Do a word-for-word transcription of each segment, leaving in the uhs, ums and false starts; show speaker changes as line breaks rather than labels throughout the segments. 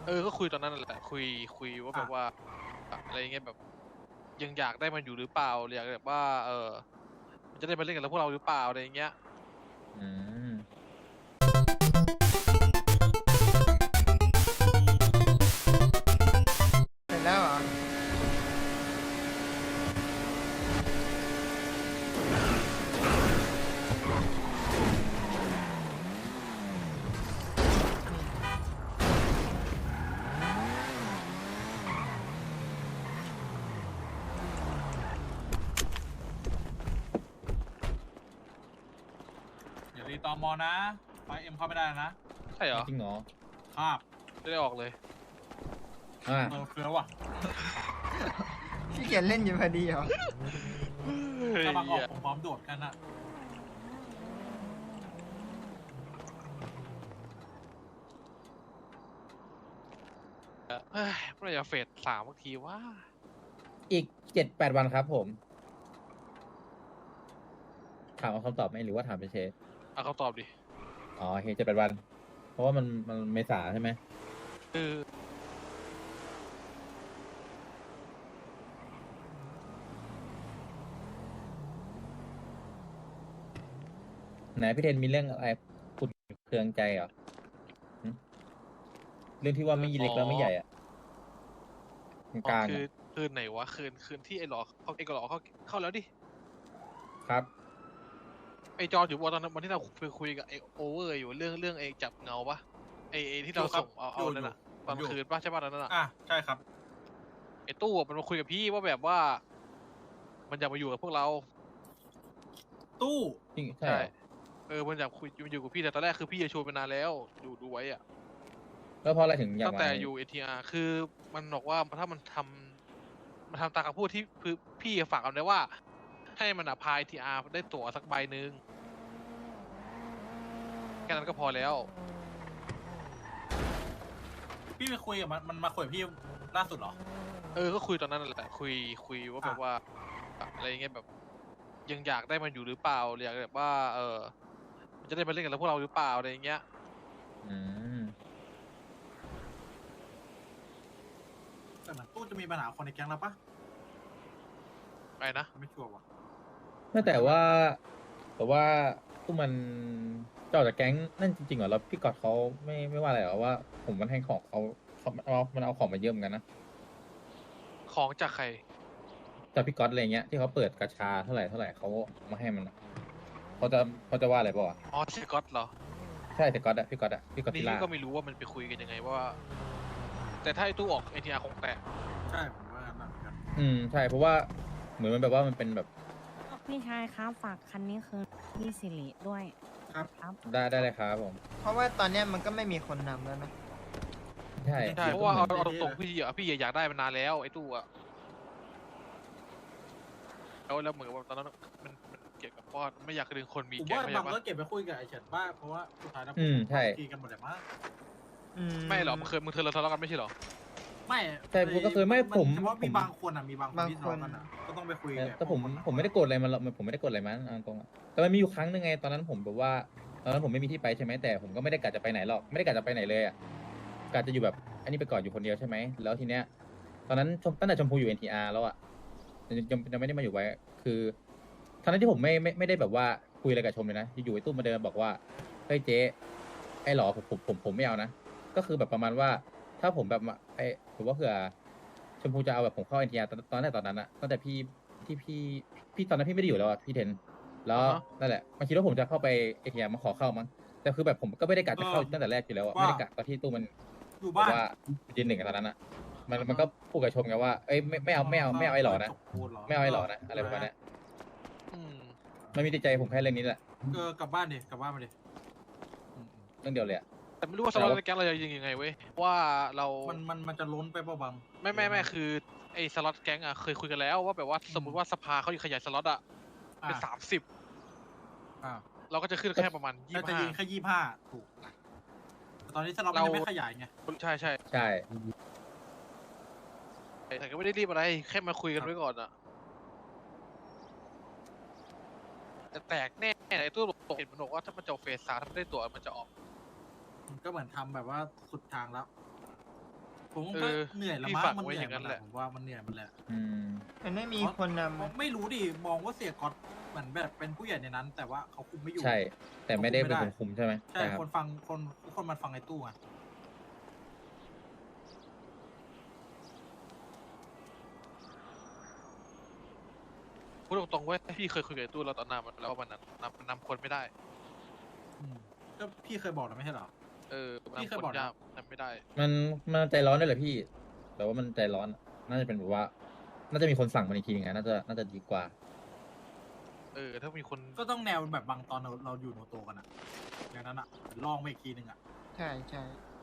เออก็คุยตอนนั้นนั่นแหละคุยคุยว่าแบบว่าอะไรเงี้ยแบบยังอยากได้มันอยู่หรือเปล่าอยากแบบว่าเออมันจะได้มาเล่นกับพวกเราหรือเปล่าอะไรเงี้ย
อืม
เสร็จแล้วเหรอ
อย่ารีตอมอนะไฟเอ็มเข้าไม่ได้นะ
ใช่เหรอ
จริงเหรอ
คาบ
จะได้ออกเลย
อ่า
เออเฟี้ยวว่ะ
พี่เกียจเล่นอยู่พอดีเหรอ
ถ้าบางออกผมพร้อมโดดกันอะ
เฮ้ยเมื่อไหร่จะเฟสสามบางทีว่า
อีกเจ็ดแปดวันครับผม ถามเอาคำตอบไหมหรือว่าถามเฉย
เอาเขาตอบดิ
ๆอ๋อโอเคเจ็ดแปดวัน เพราะว่ามันมันเมษาใช่ไหม
คือ
ไหนพี่เทนมีเรื่องอะไรขุดเคืองใจเหรอหึเรื่องที่ว่าไม่เล็กแล้วไม่ใหญ่อ่ะก
อ๋อ
ลางๆ
คือ
อ่ะ
คืนไหนวะคืนคืนที่ไอ้หลอเขาไอ้กหลอเขาเข้าแล้วดิ
ครับ
ไอ้จออยู่วันตอนนั้นวันที่เราคุยคุยกับไอ้โอเวอร์อยู่เรื่องเรื่องไอ้จับเงาปะไอ้ไอ้ที่เราส่งเอาเอานั่นน่ะตอนคืนปะใช่ปะตอนนั้นน่ะ
อ่ะใช่ครับ
ไอ้ตู้อะมันมาคุยกับพี่ว่าแบบว่า มันอยากมาอยู่กับพวกเรา
ตู้
จริงใช่เหรอ
เออมันอยากคุยมันอยู่กับพี่แต่ตอนแรกคือพี่จะชวนไปนานแล้วดูดูไว้อะ
แล้วเพราะอะไรถึงอยาก
ตั้ง
มา
แต่อยู่เอทีอาร์คือมันบอกว่าถ้ามันทำมันทำตามคำพูดที่คือพี่ฝากเอาไว้ว่า ให้มันอะพายทีอาร์ได้ตั๋วสักใบหนึ่งแค่นั้นก็พอแล้ว
พี่ไปคุยกับมันมันมาคุยกับพี่ล่าสุดเหรอ
เออก็คุยตอนนั้นนั่นแหละคุยคุยว่าแบบว่าอะไรเงี้ยแบบยังอยากได้มันอยู่หรือเปล่าอยากแบบว่า เออมันจะได้มาเล่นกับพวกเราหรือเปล่าอะไรเงี้ย
อืม
แต่เหมือนตู้จะมีปัญหาคนในแก๊งแล้วปะ
ไปนะ
ไม่ชัวร์ว่ะ
ไม่แต่ว่า แต่ว่าตู้มันเจ้าจากแก๊งนั่นจริงๆเหรอแล้วพี่กอดเขาไม่ไม่ว่าอะไรเหรอว่า ผมมันให้ของเขาเขามันเอามันเอาของมาเยอะเหมือนกันนะ
ของจากใคร
จากพี่ก๊อตอะไรเงี้ยที่เขาเปิดกาชาเท่าไหร่เท่าไหร่เขาเอามาให้มันอะเขาจะเขาจะว่าอะไรเปล่าวะ
อ๋อสกอตเหรอ
ใช่แต่ก๊อตอะพี่ก๊อตอะพี่ก๊อต
นี่
ติล่า
ก็ไม่รู้ว่ามันไปคุยกันยังไงว่า แต่ถ้าไอ้ตู้ออกเอทีอาร์คงแตก
ใช่ผมว่างั้นนะเหมือนกัน
อืมใช่เพราะว่าเหมือนมันแบบว่ามันเป็นแบบ
พี่ชายครับฝากคันนี้คือพี่สิริด้วย
ครับ
ครับ
ได้ได้เลยครับผม
เพราะว่าตอนเนี้ยมันก็ไม่มีคนนำแล้วนะ
ใช่
ใช่เพราะว่าเอาเอาตรงๆพี่อะพี่อยากได้มันนานแล้วไอ้ตู้อะแล้วแล้วเหมือนว่าตอนนั้นมันมันเกี่ยวกับว่าไม่อยากดึงคนมี
ผม
แก๊ง
ว่า
ไม่
บา
ใช่
ง
ปะ
ก็เก็บไปคุยกับไอ้เฉินบ้างเพราะว่าสุดท้ายแล้ว
อืมใช่
ตีกันหมดเลยมั้ง
อืม
ไม่หรอกมึงเคยมึงเคยเราทะเลาะกันไม่ใช่หรอ
ไม่
ใช่ผมก็เคยไม่ผม
เฉพาะ
ผ
มี
ม
บางคนอ่ะมีบางคนที่ทะเลาะกันอ่ะก็ต้องไปคุยกับ
แต่ผม
พวกคน
ผมไม่ได้โกรธอะไรมันหรอกผมไม่ได้โกรธอะไรมันเอาตรงๆอะแต่มันมีอยู่ครั้งหนึ่งไงตอนนั้นผมแบบว่าตอนนั้นผมไม่มีที่ไปใช่ไหมแต่ผมก็ไม่ได้กะจะไปไหนหรอกไม่ได้กะจะไปไหนเลยอะกะจะอยู่แบบอันนี้ไปก่อนอยู่คนเดียวใช่ไหมแล้วทีเนี้ย ตอนนั้นชมตั้งแต่ชมพูอยู่ เอ็น ที อาร์ แล้วอะยังยังยังไม่ได้มาอยู่ไว้ คือทั้งนั้นที่ผมไม่ไม่ไม่ได้แบบว่าคุยอะไรกับชมเลยนะอยู่ๆไอ้ตุ้มมาเดินบอกว่าเฮ้ยเจ๊ไอ้หรอผมผมผมผมไม่เอานะก็คือแบบประมาณว่าถ้าผมแบบมาไอ้ผมว่าเผื่อชมพูจะเอาแบบผมเข้า เอ็น ที อาร์ ตอนตอนแรกตอนนั้นอะตั้งแต่พี่ที่พี่พี่ตอนนั้นพี่ไม่ได้อยู่แล้วอะพี่เทนแล้วนั่นแหละมันคิดว่าผมจะเข้าไป เอ็น ที อาร์ มาขอเข้ามั้งแต่คือแบบผมก็ไม่ได้กะจะเข้าตั้งแต่แรกอยู่แล้วอะไม่ได้กะตอนที่ตู้มัน
อยู่
แบ
บ้า
บ
น
ว่ายืนหนึ่งกันตอนนั้นอะมันมันก็พูดกับชมกันว่า เอ้ยไม่ไม่เอาไม่เอาไม่เอาไอ้หล่อนะ ไม่เอาไอ้หล่อนะอะไรประมาณเนี้ย
อืม
มันมีติดใจผมแค่เรื่องนี้แหละ
เออกลับบ้านดิกลับบ้านมาดิ
เรื่องเดียวเลยอะ
แต่ไม่รู้ว่าสล็อตในแก๊งเราจะยิงยังไงเว้ยว่าเรา
มันมันมันจะล้นไปเปล่าบาง
ไม่ไม่ไม่คือไอ้สล็อตแก๊งอะเคยคุยกันแล้วว่าแบบว่าสมมติว่าสภาเขาขยายสล็อตอะเป็นสามสิบ
อ่า
เราก็จะขึ้นแค่ประมาณยี่
น่า
สิบ
จะ
ห้า
ยิงแค่ยี่ห้าถูกแต่ตอนนี้สล็อตมัน
เรา
ยังไม่ขยายไง
ใช่ใช่
ใช่
แต่ก็ไม่ได้รีบอะไรแค่มาคุยกันไว้ก่อนอะแต่แตกแน่ไอ้ตู้ตกเห็นมันบอกว่าถ้ามันจะเอาเฟสสามถ้าไม่ได้ตัวมันจะออก
ก็เหมือนทำแบบว่าสุดทางแล้วผม
เอ
ก็
อ
เหนื่อยแล้ว
พี่
มั้
ฝาก
งมัน
ไว้
เหนื่
อ
อย
ย่าง
มั
นั้น น
แห
แห
ละ
ละ
ผมว่ามันเหนื่อยมันแหละ
อืม
มันไม่มีคนนำ
ผมไม่รู้ดิมองว่าเสียก๊อตเหมือนแบบเป็นผู้ใหญ่ในนั้น แต่ว่าเขาคุมไม่อยู่
ใช่ แต่ไม่ได้เป็นคนคุมใช่ไหม
ใช่
ครับ
คนฟังคนทุกคนมันฟังไอ้ตู้อ่ะ
พูดตรงๆเว้ยพี่เคยคุยกับไอ้ตู้เราตอนนานแล้วว่ามันนำนำนำคนไม่ได้
อืมก็พี่เคยบอกแล้วไม่ใช่เหรอ
เออ
พี่
นำ
เคย
คน
บอกนะ
ยากนำไม่ได้
มันมันใจร้อนด้วยเหรอพี่แต่ว่ามันใจร้อนอะน่าจะเป็นแบบว่า น่าจะมีคนสั่งมันอีกทีนึงอะน่าจะน่าจะดีกว่า
เออ ถ้ามีคน
ก็ต้องแนวแบบบางตอนเราเราอยู่โนโตกันอะอย่างนั้นอะลองไปอีกทีหนึ่งอะ
ใช่ใช่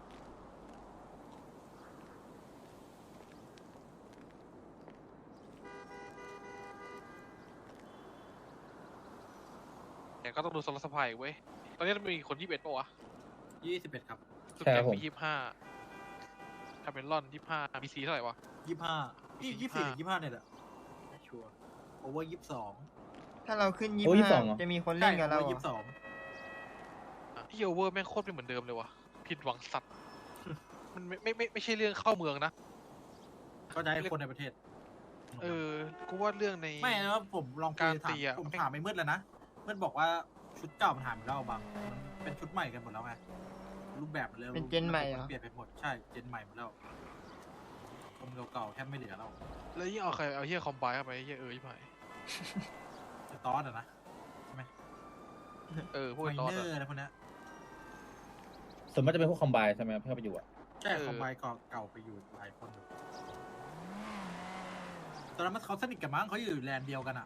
แต่ก็ต้องดูสล็อตสปายเว้ย ตอนนี้มันมีคนยี่สิบเอ็ดป่าวะ
ยี่สิบเอ็ดครับ
ทุก
ใช่
แก
ครับ
ง
ผม
มียี่สิบห้าคาเมลอนยี่สิบห้าบีซีเท่าไหร่วะ
ยี่ห้ายี่ยี่สี่หรือ
ยี่
ยี่
สิบห้า
ห้าเนี่ยแหละไม่ชัวร์โอเวอร์ยี่สิบสอง
ถ้าเราขึ้นยี่
โอ้
สิบ
ยี่สิบสอ
ห้าง
เหรอ
จะมีคน
ใช่
เล่นกับ
โอ
เรา
เวอร์
เหร
ยี่สิบส
อ
อง
ที่โอเวอร์แม่งโคตรไม่เหมือนเดิมเลยวะผิดหวังสัตว์ มันไม่ไม่ไม่ไม่ใช่เรื่องเข้าเมืองนะ
ก็จะให้คนในประเทศ
เออ กูว่าเรื่องใน
ไม่นะผมลองคุ
การ
ยถา
ตี
ม
อะ
ผม
ไม่
ถามไอ้มืดแล้วนะมืดบอกว่าชุดเก่ามันหายไปแล้วบางมันเป็นชุดใหม่กันหมดแล้วไงรูปแบบมันเลย
เป็นเจนใหม่เหรอ
เปลี่ยนไปหมดใช่เจนใหม่หมดแล้วคนเก่าๆแทบไม่เหลือแล้ว
แล้วยิ่งเอาใครเอาเฮียคอมไบเข้าไปเฮียเออยี่ไหม
ไอ้ตอสอะนะ
เออพวก
ไม
ไอ้ตอส
เนอ
อะ
ร์อะไรพวกเนี้ย
ส่วนมากจะเป็นพวกคอมไบใช่ไหมครับที่เข้าไปอยู่อะ
ใช่
เออ
คอมไบเก่าเก่าไปอยู่หลายคนอยู่ตอนนั้นมันเขาสนิทกันมั้งเขาอยู่แลนด์เดียวกันอะ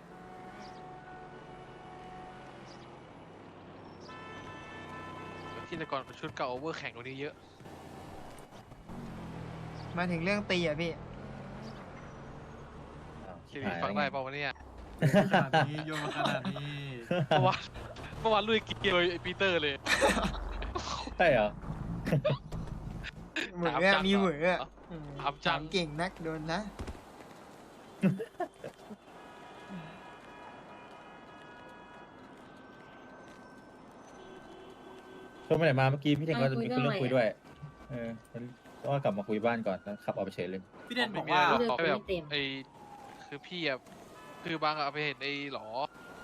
ที่แต่ก่อนชุดเก่าโอเวอร์แข่งกว่านี้เยอะ
มาถึงเรื่องตีอ่ะพี่
อ้าว
ชี
ชิบ
วิต
หาย
ฟัง
แล้ว
ได้
ไง
เปล่าวะเนี่ย
ขนาดนี้โยนมาขนาดนี้
เมื่อวานเมื่อวานลุยเกียร์ไอ้ปีเตอร์เลย
ใช่เหรอ
เหมือน
ถาม
อะ
จัง
มีเหมือน
เหร
อะ
อ
อืม
ถามจัง
เก่งนักโดนนะ
ช่วงไปไหนมาเมื่อกี้พี่เทงก็จะมี
เอาคุย
เรื่อง
เรื่อง
คุย
อะไร
ด้วย เออก็ว่ากลับมาคุยบ้านก่อนแล้วขับออกไปเฉยเลย
พี่เดน
ไม่
บอก
มี
ว่า
อะไรหรอก
เลือก
เขาแบบ
ไม่เต็ม
ไอ้คือพี่อะคือบางอะไปเห็นไอ้หลอ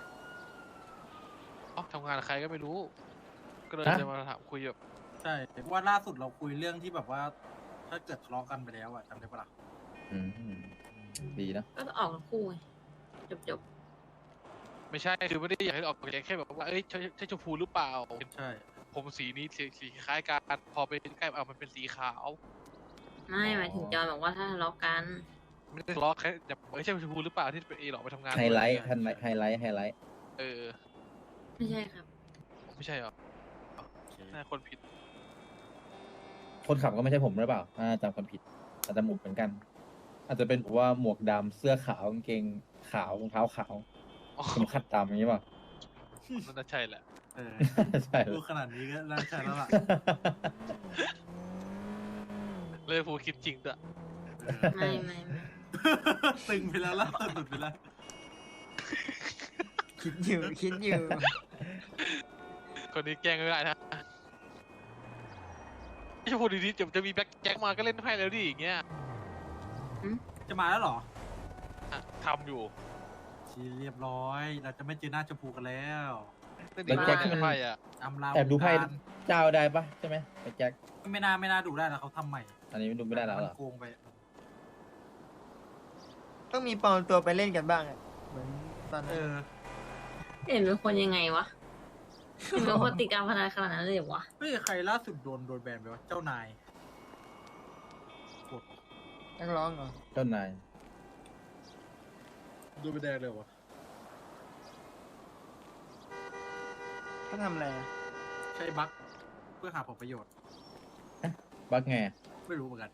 อ๋อทำงานกับใครก็ไม่รู้ ก็เลย
ฮะ
จะมาถามคุยแบบ
ใช่ว่าล่าสุดเราคุยเรื่องที่แบบว่า ถ้าเกิดทะเลาะกันไปแล้วอะจำได้ปะล่ะ
อืมดีนะ
ก็ออกทั้งคู่ไงจบจบ
ไม่ใช่คือไม่ได้อยากให้ออกแกงแค่แบบว่าเอ้ยใช่ใช่ชมพูหรือเปล่า
ใช่
ผมสีนี้สีสีคล้ายกันพอไปใกล้เอามันเป็นสีขาว
ๆไม่หมายถึงจอนบอกว่าถ้าทะเลาะกัน
ไม่ได้ทะเลาะแค่แบบเอ้ยใช่ชมพูหรือเปล่าที่เป็นไอ้หลอไปทำงาน
ไฮไลท์ไฮไลท์ไฮไลท์ไฮไลท์
เออ
ไม่ใช่ครับ
ไม่ใช่เหรอ
โอเค
น่าคนผิด
คนขับก็ไม่ใช่ผมหรือเปล่าอ่าจำคนผิด อาจจะหมวกเหมือนกัน อาจจะเป็นแบบว่าหมวกดำเสื้อขาวกางเกงขาวรองเท้าขาว
อ๋อ
เข็มขัดดำอย่างนี้ป่ะ
นั่นน่าใช่แหละ
เออ
ใช่เล
พู
ย
ดขนาดนี้ก็น่าใช่แล้วล่ะ
เลยผูคิดจริงด้วย
เออ
ไม่ไม่ไม่
ตึงไปแล้วล่ะตึงไปแล้ว
คิดอยู่คิดอยู่
คนนี้แกล้งไม่ได้นะไม่ใช่พูดดีๆจะจะมีแบ็คแจ็คมาก็เล่นให้แล้วดิอย่างเงี้ย
จะมาแล้วเหรอ
อ่ะทำอยู่
ชีเรียบร้อย เราจะไม่เจอหน้าชมพูกันแล้ว
เล่นดีมากเลยไพ่อะ
อำลา
แอบดูไพ่
วงการ
เจ้าได้ปะใช่ไหมไอ้แจ็ค
ไม่น่าไม่น่าดูได้แล้วเขาทำใหม่
อันนี้ดูไม่ได้แล้วเหรอ
มันโกงไป
ต้องมีปลอมตัวไปเล่นกันบ้างอะเหมือนตอน
เอ
นั้น
อ
เห็นเป็นคนยังไงวะเห็นเป็นคนติดการพนันขนาดนั้นเลยเหรอวะ
เฮ้ยใครล่าสุดโดนโดนแบนไปวะ เจ้านายกด
นักร้องเหรอ
เจ้านาย
โดนไปแดงเลยวะ
เขาทำอะไรอะ
ใช้บั๊กเพื่อหาผลประโยชน์
บักไง
ไม่รู้เหมือนกัน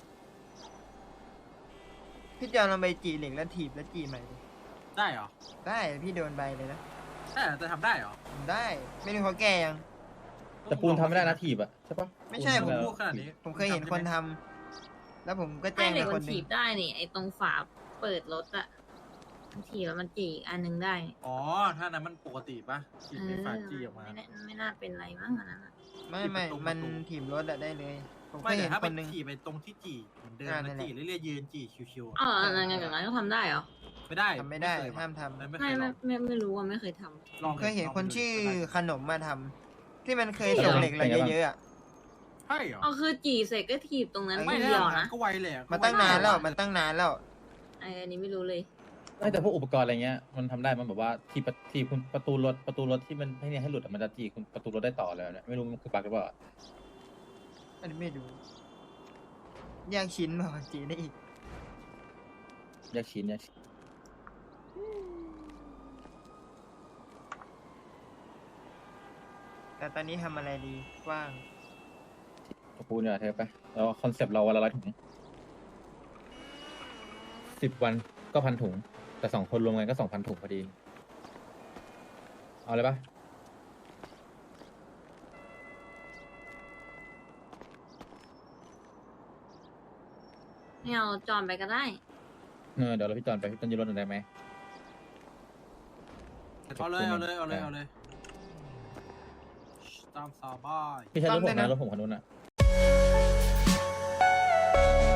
พี่จอนลองไปจีเหล็กแล้วถีบแล้วจีใหม่ดิ
ได้เหรอ
ได้พี่โดนใบเลยนะ
ได้เหรอจะทำได้เหรอ
ทำได้ ไม่รู้เขาแก้ยัง
แต่ปูนทำไม่ได้นะถีบอะใช่ปะ
ไม่ใช่
ปู
ผม
น
พูดขนาดนี้
ผมเคยเห็นคนทำแล้วผมก็
ใช่
แจ้ง
เด็
ไป
ก
ค
มัน น
หนึ่
ถี
ง
บได้นี่ไอ้ตรงฝาเปิดรถอะมันถีบแล้วมันจีอีกอันหนึงได้
อ๋อ ถ้านั้นมันปกติปะฉี
เอ
ด
อ
ในฝาจี้ออกมา
ไม่น่าไม่น่าเป็นไรมั้งอันนั้นอะ
ไม่ไม่
ถีบประตู
มัน
ประตู
ถีบรถอะได้เลยผมเค
ไม่
ย
แต่
เห็น
ถ้า
ค
เป็น
นหนึ่ง
จีไปตรงที่จีเหมือนเดิม
อ่านั่
นะ
นแหละ
จีเรื่อยๆยืนจีชิวๆ
อ๋อ
อะ
งั้นงั้นงั้นก็ทำได้เหรอ
ไม่ได้
ทำไม่ได้
เคยว่ะ
ห้ามทำ
ไม่
ไม่
เคยล
ไม่
อง
ไม่ไม่รู้ว่าไม่เคยทำ
ลอง
เคยเห็น
ลง
คน
ดู
ชื่อ
ก็ได้
ขนมมาทำที่มันเคย
เออ
ส่งเหล็กเรา
เป็นไงบ้าง
เยอะๆอะ
ใช่เหรอ
อ๋อคือจีเสร็จก็ถีบตรงนั้น
ไม่
ไม่
ที
ได้
เดียว
นะ
นะ
ก็ไวเลยอะ
มาตั้งนานแล้วมันตั้งนานแล้ว
ไออันนี้ไม่รู้เลย
ไม่แต่พวกอุปกรณ์อะไรเงี้ยมันทำได้มันแบบว่าที่ประที่คุณประตูรถประตูรถที่มันให้เนี่ยให้หลุดอะมันจะจีคุณประตูรถได้ต่อเลยเนี่ยไม่รู้มันคือบั๊กหรือเปล่า
อันนี้ไม่รู้แยกชิ้นมาจีได้อีก
แยกชิ้นแยกชิ้น
แต่ตอนนี้ทำอะไรดีว่าง
ขอบคุณเนี่ยเธอไปแล้วคอนเซปต์เราวันละร้อยถุงสิบวันก็พันถุง แต่สองคนรวมกันก็สองพันถุงพอดี เอาเลยปะ
ไม่เอาจอนไปก็ได้
เออเดี๋ยวเราพี่จอนไปพี่จอนยืนรถหน่อยได้ไหม
เอาเลยเอาเลยเอาเลยเอาเลยตามสบาย
พี่ใช้รถผม
จำได้
นะ
นะ
รถผมคันนู้นอ่ะ